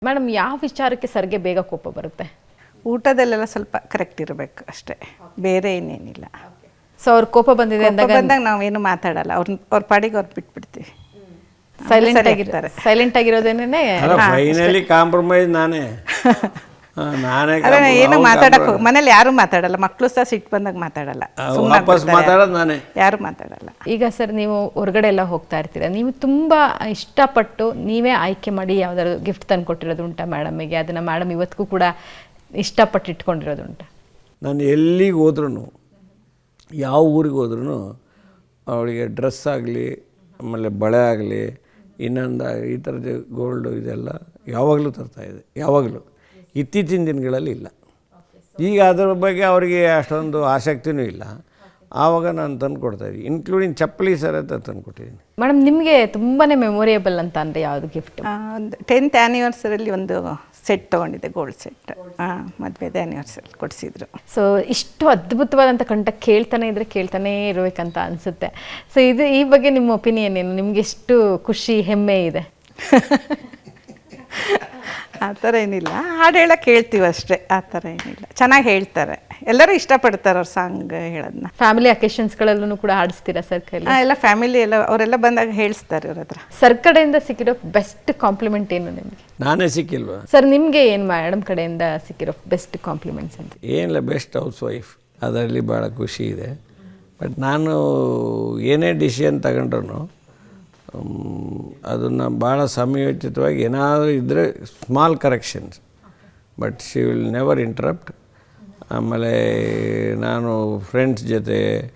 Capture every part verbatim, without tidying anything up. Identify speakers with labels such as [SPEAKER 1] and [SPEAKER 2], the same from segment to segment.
[SPEAKER 1] Madam ಯಾವ ವಿಚಾರಕ್ಕೆ ಸರ್ಗೆ ಬೇಗ ಕೋಪ ಬರುತ್ತೆ?
[SPEAKER 2] ಊಟದಲ್ಲೆಲ್ಲ ಸ್ವಲ್ಪ ಕರೆಕ್ಟ್ ಇರಬೇಕು ಅಷ್ಟೇ, ಬೇರೆ ಏನೇನಿಲ್ಲ.
[SPEAKER 1] ಸೊ ಅವ್ರ ಕೋಪ ಬಂದಿದೆ ಅಂದಾಗ
[SPEAKER 2] ಬಂದಾಗ ನಾವೇನು ಮಾತಾಡಲ್ಲ, ಅವ್ರ ಅವ್ರ ಪಾಡಿಗೆ ಅವ್ರು ಬಿಟ್ಬಿಡ್ತೀವಿ.
[SPEAKER 1] ಸೈಲೆಂಟ್ ಆಗಿರ್ತಾರೆ. ಸೈಲೆಂಟ್ ಆಗಿರೋದೇನೆ
[SPEAKER 3] ಫೈನಲಿ ಕಾಂಪ್ರಮೈಸ್ ನಾನೇ ನಾನೇ
[SPEAKER 2] ಏನು ಮಾತಾಡಕ್ ಹೋಗಿ ಮನೇಲಿ ಯಾರು ಮಾತಾಡಲ್ಲ, ಮಕ್ಕಳು ಸಹ ಸಿಟ್ಟು ಬಂದಾಗ ಮಾತಾಡಲ್ಲ,
[SPEAKER 3] ವಾಪಸ್ ಮಾತಾಡೋದು ನಾನೇ,
[SPEAKER 2] ಯಾರು ಮಾತಾಡಲ್ಲ.
[SPEAKER 1] ಈಗ ಸರ್ ನೀವು ಹೊರಗಡೆ ಎಲ್ಲ ಹೋಗ್ತಾ ಇರ್ತೀರ, ನೀವು ತುಂಬ ಇಷ್ಟಪಟ್ಟು ನೀವೇ ಆಯ್ಕೆ ಮಾಡಿ ಯಾವ್ದಾದ್ರು ಗಿಫ್ಟ್ ತಂದು ಕೊಟ್ಟಿರೋದು ಉಂಟಾ ಮೇಡಮಿಗೆ? ಅದನ್ನು ಮೇಡಮ್ ಇವತ್ತಿಗೂ ಕೂಡ ಇಷ್ಟಪಟ್ಟು ಇಟ್ಕೊಂಡಿರೋದು ಉಂಟಾ?
[SPEAKER 3] ನಾನು ಎಲ್ಲಿಗೆ ಹೋದ್ರೂ, ಯಾವ ಊರಿಗೆ ಹೋದ್ರೂ ಅವಳಿಗೆ ಡ್ರೆಸ್ ಆಗಲಿ, ಆಮೇಲೆ ಬಳೆ ಆಗಲಿ, ಇನ್ನೊಂದು ಈ ಥರದ ಗೋಲ್ಡು ಇದೆಲ್ಲ ಯಾವಾಗಲೂ ತರ್ತಾಯಿದೆ, ಯಾವಾಗಲೂ. ಇತ್ತೀಚಿನ ದಿನಗಳಲ್ಲಿ ಇಲ್ಲ. ಈಗ ಅದರ ಬಗ್ಗೆ ಅವರಿಗೆ ಅಷ್ಟೊಂದು ಆಸಕ್ತಿನೂ ಇಲ್ಲ. ಆವಾಗ ನಾನು ತಂದು ಕೊಡ್ತಾಯಿದ್ದೆ, ಇನ್ಕ್ಲೂಡಿಂಗ್ ಚಪ್ಪಲಿ ಸರ ತಂದು ಕೊಟ್ಟಿದ್ದೀನಿ.
[SPEAKER 1] ಮೇಡಮ್ ನಿಮಗೆ ತುಂಬಾ ಮೆಮೊರಿಯಬಲ್ ಅಂತ ಅಂದರೆ ಯಾವುದು ಗಿಫ್ಟ್?
[SPEAKER 2] ಒಂದು ಟೆಂತ್ ಆ್ಯನಿವರ್ಸರಿಯಲ್ಲಿ ಒಂದು ಸೆಟ್ ತೊಗೊಂಡಿದ್ದೆ, ಗೋಲ್ಡ್ ಸೆಟ್. ಹಾಂ, ಮದುವೆದ ಆ್ಯನಿವರ್ಸರಿ ಕೊಡಿಸಿದ್ರು.
[SPEAKER 1] ಸೊ ಇಷ್ಟು ಅದ್ಭುತವಾದಂಥ ಕಂಠ ಕೇಳ್ತಾನೆ ಇದ್ದರೆ ಕೇಳ್ತಾನೇ ಇರಬೇಕಂತ ಅನಿಸುತ್ತೆ. ಸೊ ಇದು ಈ ಬಗ್ಗೆ ನಿಮ್ಮ ಒಪಿನಿಯನ್ ಏನು? ನಿಮಗೆ ಎಷ್ಟು ಖುಷಿ, ಹೆಮ್ಮೆ ಇದೆ?
[SPEAKER 2] ಆ ಥರ ಏನಿಲ್ಲ, ಹಾಡು ಹೇಳೋಕೆ ಹೇಳ್ತೀವಿ ಅಷ್ಟೇ, ಆ ಥರ ಏನಿಲ್ಲ. ಚೆನ್ನಾಗಿ ಹೇಳ್ತಾರೆ, ಎಲ್ಲರೂ ಇಷ್ಟಪಡ್ತಾರೆ ಅವ್ರ ಸಾಂಗ್ ಹೇಳೋದನ್ನ.
[SPEAKER 1] ಫ್ಯಾಮಿಲಿ ಅಕೇಶನ್ಸ್ಗಳಲ್ಲೂ ಕೂಡ ಹಾಡಿಸ್ತೀರಾ ಸರ್ ಕೈಲಿ?
[SPEAKER 2] ಹಾಂ, ಎಲ್ಲ ಫ್ಯಾಮಿಲಿ ಎಲ್ಲ ಅವರೆಲ್ಲ ಬಂದಾಗ ಹೇಳಿಸ್ತಾರೆ ಅವ್ರ ಹತ್ರ.
[SPEAKER 1] ಸರ್ ಕಡೆಯಿಂದ ಸಿಕ್ಕಿರೋ ಬೆಸ್ಟ್ ಕಾಂಪ್ಲಿಮೆಂಟ್ ಏನು ನಿಮಗೆ?
[SPEAKER 3] ನಾನೇ ಸಿಕ್ಕಿಲ್ವಾ
[SPEAKER 1] ಸರ್? ನಿಮಗೆ ಏನು ಮೇಡಮ್ ಕಡೆಯಿಂದ ಸಿಕ್ಕಿರೋ ಬೆಸ್ಟ್ ಕಾಂಪ್ಲಿಮೆಂಟ್ಸ್ ಅಂತ?
[SPEAKER 3] ಏನಿಲ್ಲ, ಬೆಸ್ಟ್ ಹೌಸ್ ವೈಫ್, ಅದರಲ್ಲಿ ಭಾಳ ಖುಷಿ ಇದೆ. ಬಟ್ ನಾನು ಏನೇ ಡಿಸಿಷನ್ ತಗೊಂಡ್ರು ಅದನ್ನು ಭಾಳ ಸಮಯೋಚಿತವಾಗಿ ಏನಾದರೂ ಇದ್ದರೆ small corrections, but she will never interrupt. ಆಮೇಲೆ ನಾನು ಫ್ರೆಂಡ್ಸ್ ಜೊತೆ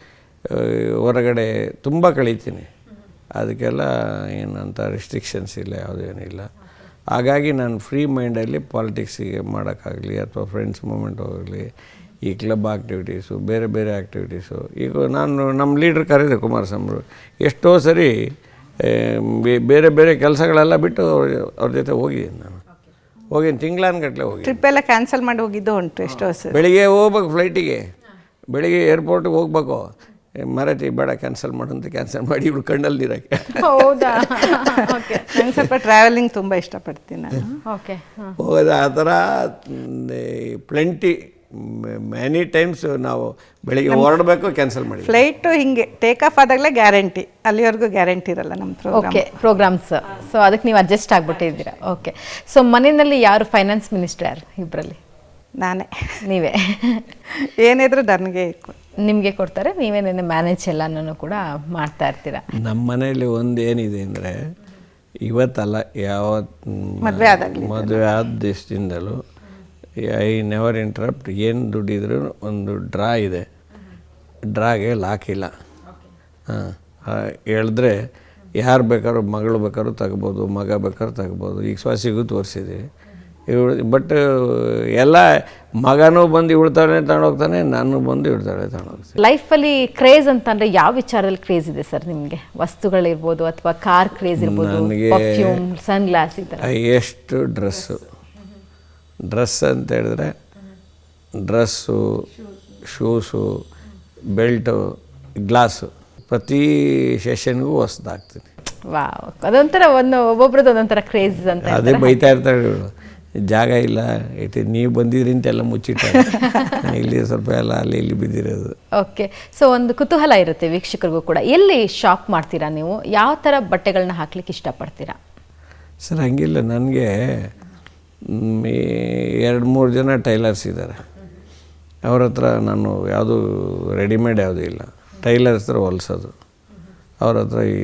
[SPEAKER 3] ಹೊರಗಡೆ ತುಂಬ ಕಳೀತೀನಿ, ಅದಕ್ಕೆಲ್ಲ ಏನಂತ ರಿಸ್ಟ್ರಿಕ್ಷನ್ಸ್ ಇಲ್ಲ, ಯಾವುದೇನಿಲ್ಲ. ಹಾಗಾಗಿ ನಾನು ಫ್ರೀ ಮೈಂಡಲ್ಲಿ ಪಾಲಿಟಿಕ್ಸಿಗೆ ಮಾಡೋಕ್ಕಾಗಲಿ ಅಥವಾ ಫ್ರೆಂಡ್ಸ್ ಮೂಮೆಂಟ್ ಹೋಗಲಿ, ಈ ಕ್ಲಬ್ ಆ್ಯಕ್ಟಿವಿಟೀಸು, ಬೇರೆ ಬೇರೆ ಆ್ಯಕ್ಟಿವಿಟೀಸು. ಈಗ ನಾನು ನಮ್ಮ ಲೀಡ್ರ್ ಕರೀದೆ ಕುಮಾರಸ್ವಾಮಿ, ಎಷ್ಟೋ ಸರಿ ಬೇರೆ ಬೇರೆ ಕೆಲಸಗಳೆಲ್ಲ ಬಿಟ್ಟು ಅವ್ರ ಅವ್ರ ಜೊತೆ ಹೋಗಿದ್ದೀನಿ. ನಾನು ಹೋಗಿದ್ದೀನಿ, ತಿಂಗಳಾನ್ಗಟ್ಟಲೆ ಹೋಗಿ.
[SPEAKER 2] ಟ್ರಿಪ್ ಎಲ್ಲ ಕ್ಯಾನ್ಸಲ್ ಮಾಡಿ ಹೋಗಿದ್ದು ಉಂಟು ಎಷ್ಟೋ ಸರಿ.
[SPEAKER 3] ಬೆಳಿಗ್ಗೆ ಹೋಗ್ಬೇಕು ಫ್ಲೈಟಿಗೆ, ಬೆಳಿಗ್ಗೆ ಏರ್ಪೋರ್ಟಿಗೆ ಹೋಗ್ಬೇಕು, ಮರತಿ ಬೇಡ ಕ್ಯಾನ್ಸಲ್ ಮಾಡಂತ ಕ್ಯಾನ್ಸಲ್ ಮಾಡಿ ಇವಳು ಕಣ್ಣಲ್ಲಿ ನೀರಕ್ಕೆ.
[SPEAKER 1] ಹೌದಾ?
[SPEAKER 2] ನಂಗೆ ಸ್ವಲ್ಪ ಟ್ರಾವೆಲಿಂಗ್ ತುಂಬ ಇಷ್ಟಪಡ್ತೀನಿ ನಾನು.
[SPEAKER 1] ಓಕೆ,
[SPEAKER 3] ಹೋಗೋದು ಆ ಥರ ಪ್ಲೆಂಟಿ ಮೆನಿ ಟೈಮ್ಸ್ ನಾವು ಬೆಳಿಗ್ಗೆ ಹೊರಡಬೇಕು, ಕ್ಯಾನ್ಸಲ್ ಮಾಡಿ.
[SPEAKER 2] ಫ್ಲೈಟು ಹಿಂಗೆ ಟೇಕ್ ಆಫ್ ಆದಾಗಲೇ ಗ್ಯಾರಂಟಿ, ಅಲ್ಲಿವರೆಗೂ ಗ್ಯಾರಂಟಿ ಇರಲ್ಲ ನಮ್ಮ ಪ್ರೋಗ್ರಾಮ್.
[SPEAKER 1] Okay, programmes. ಸೊ ಅದಕ್ಕೆ ನೀವು ಅಡ್ಜಸ್ಟ್ ಆಗಿಬಿಟ್ಟಿದ್ದೀರಾ. ಓಕೆ. ಸೊ ಮನೆಯಲ್ಲಿ ಯಾರು ಫೈನಾನ್ಸ್ ಮಿನಿಸ್ಟರ್? ಯಾರು ಇಬ್ಬರಲ್ಲಿ?
[SPEAKER 2] ನಾನೇ.
[SPEAKER 1] ನೀವೇ?
[SPEAKER 2] ಏನಿದ್ರು ನನಗೆ
[SPEAKER 1] ನಿಮಗೆ ಕೊಡ್ತಾರೆ, ನೀವೇ ನೆನ್ನೆ ಮ್ಯಾನೇಜ್ ಎಲ್ಲನೂ ಕೂಡ ಮಾಡ್ತಾ ಇರ್ತೀರಾ?
[SPEAKER 3] ನಮ್ಮ ಮನೆಯಲ್ಲಿ ಒಂದು ಏನಿದೆ ಅಂದರೆ, ಇವತ್ತಲ್ಲ ಯಾವತ್ತು
[SPEAKER 2] ಮದುವೆ ಆದಾಗಲಿ
[SPEAKER 3] ಮದುವೆ ಆದ ದಿವಸದಿಂದಲೂ ಐ ನೆವರ್ ಇಂಟ್ರಪ್ಟ್. ಏನು ದುಡ್ಡಿದ್ರು ಒಂದು ಡ್ರಾ ಇದೆ, ಡ್ರಾಗೆ ಲಾಕಿಲ್ಲ. ಹಾಂ, ಹೇಳಿದ್ರೆ ಯಾರು ಬೇಕಾದ್ರೂ, ಮಗಳು ಬೇಕಾದ್ರೂ ತಗ್ಬೋದು, ಮಗ ಬೇಕಾದ್ರೂ ತಗ್ಬೋದು. ಈಗ ಸ್ವಾಸಿಗೂ ತೋರಿಸಿದ್ವಿ ಇವಳು, ಬಟ್ ಎಲ್ಲ ಮಗನೂ ಬಂದು ಇವಳ್ತಾಳೆ ತಗೊಂಡೋಗ್ತಾನೆ, ನಾನು ಬಂದು ಇವಳ್ತಾಳೆ ತಗೊಂಡೋಗ್ತೀನಿ.
[SPEAKER 1] ಲೈಫಲ್ಲಿ ಕ್ರೇಜ್ ಅಂತಂದರೆ ಯಾವ ವಿಚಾರದಲ್ಲಿ ಕ್ರೇಜ್ ಇದೆ ಸರ್ ನಿಮಗೆ? ವಸ್ತುಗಳಿರ್ಬೋದು ಅಥವಾ ಕಾರ್ ಕ್ರೇಜ್ ಇರ್ಬೋದು,
[SPEAKER 3] ನನಗೆ
[SPEAKER 1] ಪರ್ಫ್ಯೂಮ್, ಸನ್ ಗ್ಲಾಸ್, ಈ ಥರ?
[SPEAKER 3] ಎಷ್ಟು ಡ್ರೆಸ್ಸು ಡ್ರೆಸ್ ಅಂತ ಹೇಳಿದ್ರೆ ಡ್ರೆಸ್ಸು, ಶೂಸು, ಬೆಲ್ಟು, ಗ್ಲಾಸು, ಪ್ರತಿ ಸೆಷನ್ಗೂ ಹೊಸ್ದಾಗ್ತೀನಿ.
[SPEAKER 1] ವಾವ್, ಅದೊಂಥರ ಒಂದು ಒಬ್ಬೊಬ್ರದ್ದು ಒಂದೊಂಥರ ಕ್ರೇಜ್ ಅಂತ.
[SPEAKER 3] ಅದೇ ಬೈತಾ ಇರ್ತಾಳೆ ಇವಳು, ಜಾಗ ಇಲ್ಲ, ಇಟ್ಟು ನೀವು ಬಂದಿದ್ರಿ ಅಂತೆಲ್ಲ ಮುಚ್ಚಿಟ್ಟಾರೆ, ಇಲ್ಲಿ ಸ್ವಲ್ಪ ಎಲ್ಲ ಅಲ್ಲಿ ಇಲ್ಲಿ ಬಿದ್ದಿರೋದು.
[SPEAKER 1] ಓಕೆ. ಸೊ ಒಂದು ಕುತೂಹಲ ಇರುತ್ತೆ ವೀಕ್ಷಕರಿಗೂ ಕೂಡ, ಎಲ್ಲಿ ಶಾಪ್ ಮಾಡ್ತೀರಾ ನೀವು? ಯಾವ ಥರ ಬಟ್ಟೆಗಳನ್ನ ಹಾಕ್ಲಿಕ್ಕೆ ಇಷ್ಟಪಡ್ತೀರಾ?
[SPEAKER 3] ಸರ್ ಹಂಗಿಲ್ಲ, ನನಗೆ ಎರಡು ಮೂರು ಜನ ಟೈಲರ್ಸ್ ಇದ್ದಾರೆ, ಅವ್ರ ಹತ್ರ ನಾನು ಯಾವುದು ರೆಡಿಮೇಡ್ ಯಾವುದೂ ಇಲ್ಲ, ಟೈಲರ್ಸ್ ಹತ್ರ ಹೊಲಿಸೋದು. ಅವ್ರ ಹತ್ರ ಈ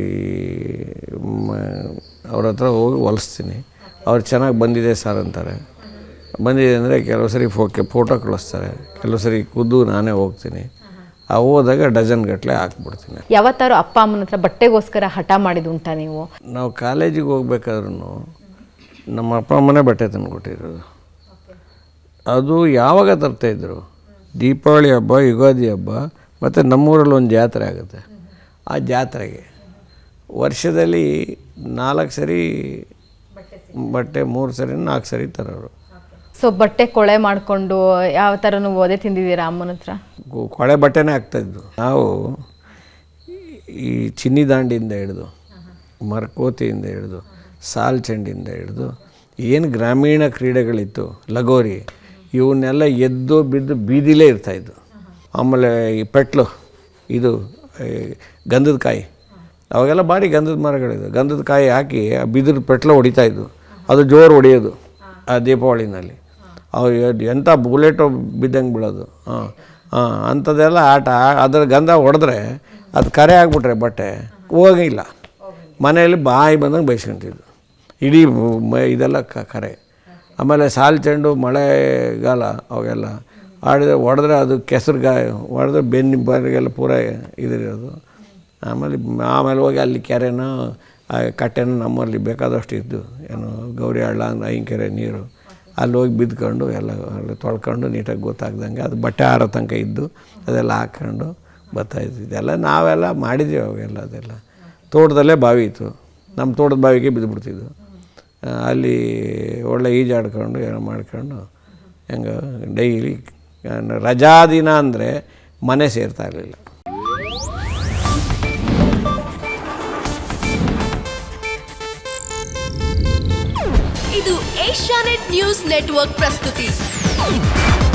[SPEAKER 3] ಅವ್ರ ಹತ್ರ ಹೋಗಿ ಹೊಲಿಸ್ತೀನಿ. ಅವ್ರು ಚೆನ್ನಾಗಿ ಬಂದಿದೆ ಸರ್ ಅಂತಾರೆ. ಬಂದಿದೆ ಅಂದರೆ ಕೆಲವು ಸರಿ ಫೋಕೆ ಫೋಟೋ ಕಳಿಸ್ತಾರೆ, ಕೆಲವು ಸರಿ ಖುದ್ದು ನಾನೇ ಹೋಗ್ತೀನಿ. ಆ ಹೋದಾಗ ಡಜನ್ ಗಟ್ಟಲೆ ಹಾಕ್ಬಿಡ್ತೀನಿ.
[SPEAKER 1] ಯಾವತ್ತಾರು ಅಪ್ಪ ಅಮ್ಮನ ಹತ್ರ ಬಟ್ಟೆಗೋಸ್ಕರ ಹಠ ಮಾಡಿದ್ದು ಉಂಟಾ ನೀವು?
[SPEAKER 3] ನಾವು ಕಾಲೇಜಿಗೆ ಹೋಗ್ಬೇಕಾದ್ರೂ ನಮ್ಮ ಅಪ್ಪ ಅಮ್ಮನೇ ಬಟ್ಟೆ ತಂದು ಕೊಟ್ಟಿರೋದು. ಅದು ಯಾವಾಗ ತರ್ತಾಯಿದ್ರು? ದೀಪಾವಳಿ ಹಬ್ಬ, ಯುಗಾದಿ ಹಬ್ಬ, ಮತ್ತು ನಮ್ಮೂರಲ್ಲಿ ಒಂದು ಜಾತ್ರೆ ಆಗುತ್ತೆ. ಆ ಜಾತ್ರೆಗೆ ವರ್ಷದಲ್ಲಿ ನಾಲ್ಕು ಸರಿ ಬಟ್ಟೆ, ಮೂರು ಸರಿ ನಾಲ್ಕು ಸರಿ ತರೋರು.
[SPEAKER 1] ಸೊ ಬಟ್ಟೆ ಕೊಳೆ ಮಾಡಿಕೊಂಡು ಯಾವ ಥರನೂ ಓದೆ ತಿಂದಿದ್ದೀರಾ ಅಮ್ಮನ ಹತ್ರ?
[SPEAKER 3] ಕೊಳೆ ಬಟ್ಟೆನೇ ಆಗ್ತಾಯಿದ್ದು. ನಾವು ಈ ಚಿನ್ನಿ ದಾಂಡಿಯಿಂದ ಹಿಡಿದು, ಮರಕೋತಿಯಿಂದ ಹಿಡಿದು, ಸಾಲ್ ಚೆಂಡಿಂದ ಹಿಡಿದು ಏನು ಗ್ರಾಮೀಣ ಕ್ರೀಡೆಗಳಿತ್ತು, ಲಗೋರಿ, ಇವನ್ನೆಲ್ಲ ಎದ್ದು ಬಿದ್ದು ಬೀದಿಲೇ ಇರ್ತಾಯಿದ್ದು. ಆಮೇಲೆ ಈ ಪೆಟ್ಲು, ಇದು ಗಂಧದ ಕಾಯಿ, ಅವಾಗೆಲ್ಲ ಭಾರಿ ಗಂಧದ ಮರಗಳಿದ್ದು, ಗಂಧದ ಕಾಯಿ ಹಾಕಿ ಆ ಬಿದಿರು ಪೆಟ್ಲು ಹೊಡಿತಾಯಿದ್ದು, ಅದು ಜೋರು ಹೊಡೆಯೋದು ಆ ದೀಪಾವಳಿನಲ್ಲಿ. ಅವು ಎಂಥ ಬುಲೆಟು ಬಿದ್ದಂಗೆ ಬೀಳೋದು. ಹಾಂ ಹಾಂ ಅಂಥದ್ದೆಲ್ಲ ಆಟ. ಅದರ ಗಂಧ ಹೊಡೆದ್ರೆ ಅದು ಕರೆ ಆಗಿಬಿಟ್ರೆ ಬಟ್ಟೆ ಹೋಗಿಲ್ಲ, ಮನೆಯಲ್ಲಿ ಬಾಯಿ ಬಂದಂಗೆ ಬೈಸ್ಕೊಂತಿದ್ದು, ಇಡೀ ಮ ಇದೆಲ್ಲ ಕ ಕರೆ. ಆಮೇಲೆ ಸಾಲು ಚೆಂಡು ಮಳೆಗಾಲ ಅವಾಗೆಲ್ಲ ಆಡಿದ್ರೆ ಹೊಡೆದ್ರೆ ಅದು ಕೆಸರು ಗಾಯ ಹೊಡೆದ್ರೆ ಬೆನ್ನು ಬರಿಗೆಲ್ಲ ಪೂರ ಇದಿರೋದು. ಆಮೇಲೆ ಆಮೇಲೆ ಹೋಗಿ ಅಲ್ಲಿ ಕೆರೆನೋ ಕಟ್ಟೆನೋ ನಮ್ಮಲ್ಲಿ ಬೇಕಾದಷ್ಟು ಇದ್ದು, ಏನು ಗೌರಿ ಹಳ್ಳ ಅಂದ್ರೆ ಐಂಕೆರೆ ನೀರು, ಅಲ್ಲಿ ಹೋಗಿ ಬಿದ್ದುಕೊಂಡು ಎಲ್ಲ ಅಲ್ಲಿ ತೊಳ್ಕೊಂಡು ನೀಟಾಗಿ ಗೊತ್ತಾಗ್ದಂಗೆ ಅದು ಬಟ್ಟೆ ಆರೋ ತನಕ ಇದ್ದು ಅದೆಲ್ಲ ಹಾಕ್ಕೊಂಡು ಬರ್ತಾಯಿದ್ದು. ಇದೆಲ್ಲ ನಾವೆಲ್ಲ ಮಾಡಿದ್ದೀವಿ ಅವಾಗೆಲ್ಲ. ಅದೆಲ್ಲ ತೋಟದಲ್ಲೇ ಬಾವಿ ಇತ್ತು, ನಮ್ಮ ತೋಟದ ಬಾವಿಗೆ ಬಿದ್ದುಬಿಡ್ತಿದ್ದು. ಅಲ್ಲಿ ಒಳ್ಳೆ ಈಜಾಡ್ಕೊಂಡು ಏನೋ ಮಾಡ್ಕೊಂಡು ಹೆಂಗೆ ಡೈಲಿ ರಜಾ ದಿನ ಅಂದರೆ ಮನೆ ಸೇರ್ತಾ ಇರಲಿಲ್ಲ.
[SPEAKER 4] ಇದು ಏಷ್ಯಾನೆಟ್ ನ್ಯೂಸ್ ನೆಟ್ವರ್ಕ್ ಪ್ರಸ್ತುತಿ.